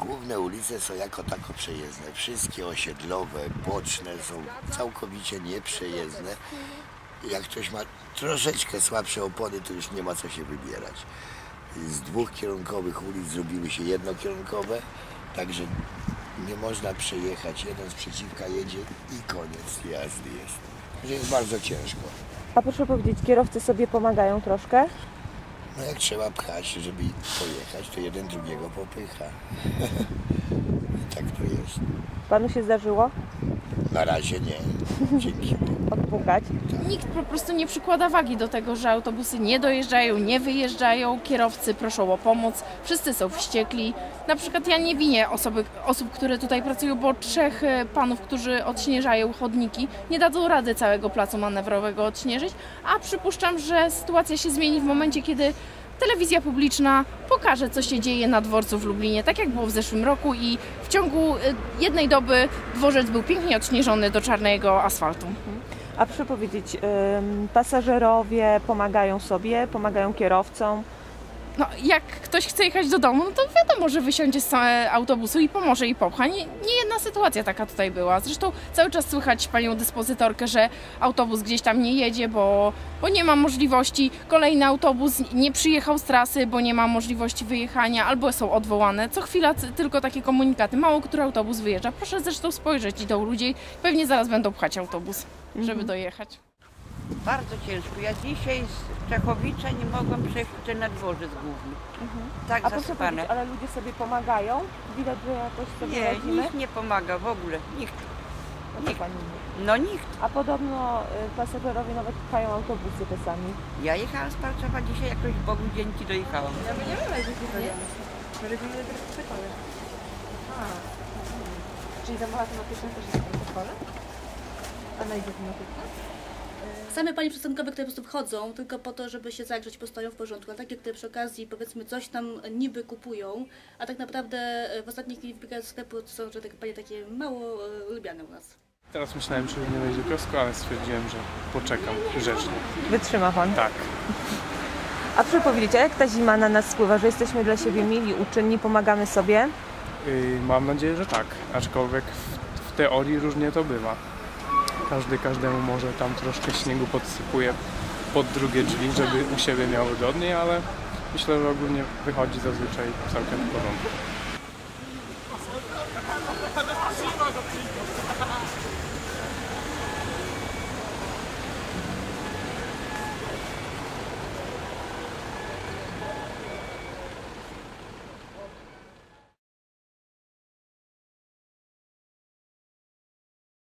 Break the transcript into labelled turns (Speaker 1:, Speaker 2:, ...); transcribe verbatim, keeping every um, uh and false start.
Speaker 1: Główne ulice są jako tako przejezdne. Wszystkie osiedlowe, boczne są całkowicie nieprzejezdne. Jak ktoś ma troszeczkę słabsze opony, to już nie ma co się wybierać. Z dwóch kierunkowych ulic zrobiły się jednokierunkowe, także nie można przejechać. Jeden z przeciwka jedzie i koniec jazdy jest. Także jest bardzo ciężko.
Speaker 2: A proszę powiedzieć, kierowcy sobie pomagają troszkę?
Speaker 1: No jak trzeba pchać, żeby pojechać, to jeden drugiego popycha. I tak to jest.
Speaker 2: Panu się zdarzyło
Speaker 1: Na razie nie. Dzięki.
Speaker 2: odpukać?
Speaker 3: Nikt po prostu nie przykłada wagi do tego, że autobusy nie dojeżdżają, nie wyjeżdżają, kierowcy proszą o pomoc, wszyscy są wściekli. Na przykład ja nie winię osoby, osób, które tutaj pracują, bo trzech panów, którzy odśnieżają chodniki, nie dadzą rady całego placu manewrowego odśnieżyć, a przypuszczam, że sytuacja się zmieni w momencie, kiedy telewizja publiczna pokaże, co się dzieje na dworcu w Lublinie, tak jak było w zeszłym roku i w ciągu jednej doby dworzec był pięknie odśnieżony do czarnego asfaltu.
Speaker 2: A proszę powiedzieć, ym, pasażerowie pomagają sobie, pomagają kierowcom?
Speaker 3: No, jak ktoś chce jechać do domu, no to wiadomo, że wysiądzie z autobusu i pomoże i popcha. Nie, nie jedna sytuacja taka tutaj była. Zresztą cały czas słychać panią dyspozytorkę, że autobus gdzieś tam nie jedzie, bo, bo nie ma możliwości. Kolejny autobus nie przyjechał z trasy, bo nie ma możliwości wyjechania, albo są odwołane. Co chwila tylko takie komunikaty. Mało który autobus wyjeżdża. Proszę zresztą spojrzeć do ludzi. Pewnie zaraz będą pchać autobus, żeby mhm. dojechać.
Speaker 4: Bardzo ciężko. Ja dzisiaj z Czechowicza nie mogłam przejść na dworzec główny. Mhm. Tak
Speaker 2: A
Speaker 4: zasypane.
Speaker 2: ale ludzie sobie pomagają? Widać, że jakoś sobie
Speaker 4: Nie,
Speaker 2: radzimy?
Speaker 4: nikt nie pomaga w ogóle. Nikt.
Speaker 2: No,
Speaker 4: nikt.
Speaker 2: Pani
Speaker 4: No nikt.
Speaker 2: A podobno y, pasażerowie nawet pchają autobusy czasami.
Speaker 4: Ja jechałam z Parczowa dzisiaj, jakoś Bogu dzięki dojechałam.
Speaker 2: Ja my nie wiemy, że się Reguluje protokole. Czyli zamowa tematyczna też jest protokole? Analiza tematyczna?
Speaker 5: Same panie przystankowe, które po prostu wchodzą tylko po to, żeby się zagrzeć, postoją w porządku, a takie, które przy okazji powiedzmy coś tam niby kupują, a tak naprawdę w ostatniej chwili wbiegają do sklepu, to są że takie panie takie mało lubiane u nas.
Speaker 6: Teraz myślałem, że nie wejść do kiosku, ale stwierdziłem, że poczekam grzecznie.
Speaker 2: Wytrzyma pan?
Speaker 6: Tak.
Speaker 2: A proszę powiedzieć, a jak ta zima na nas wpływa, że jesteśmy dla siebie mili, uczynni, pomagamy sobie?
Speaker 6: Yy, mam nadzieję, że tak, aczkolwiek w, w teorii różnie to bywa. Każdy każdemu może tam troszkę śniegu podsypuje pod drugie drzwi, żeby u siebie miał wygodniej, ale myślę, że ogólnie wychodzi zazwyczaj całkiem w porządku.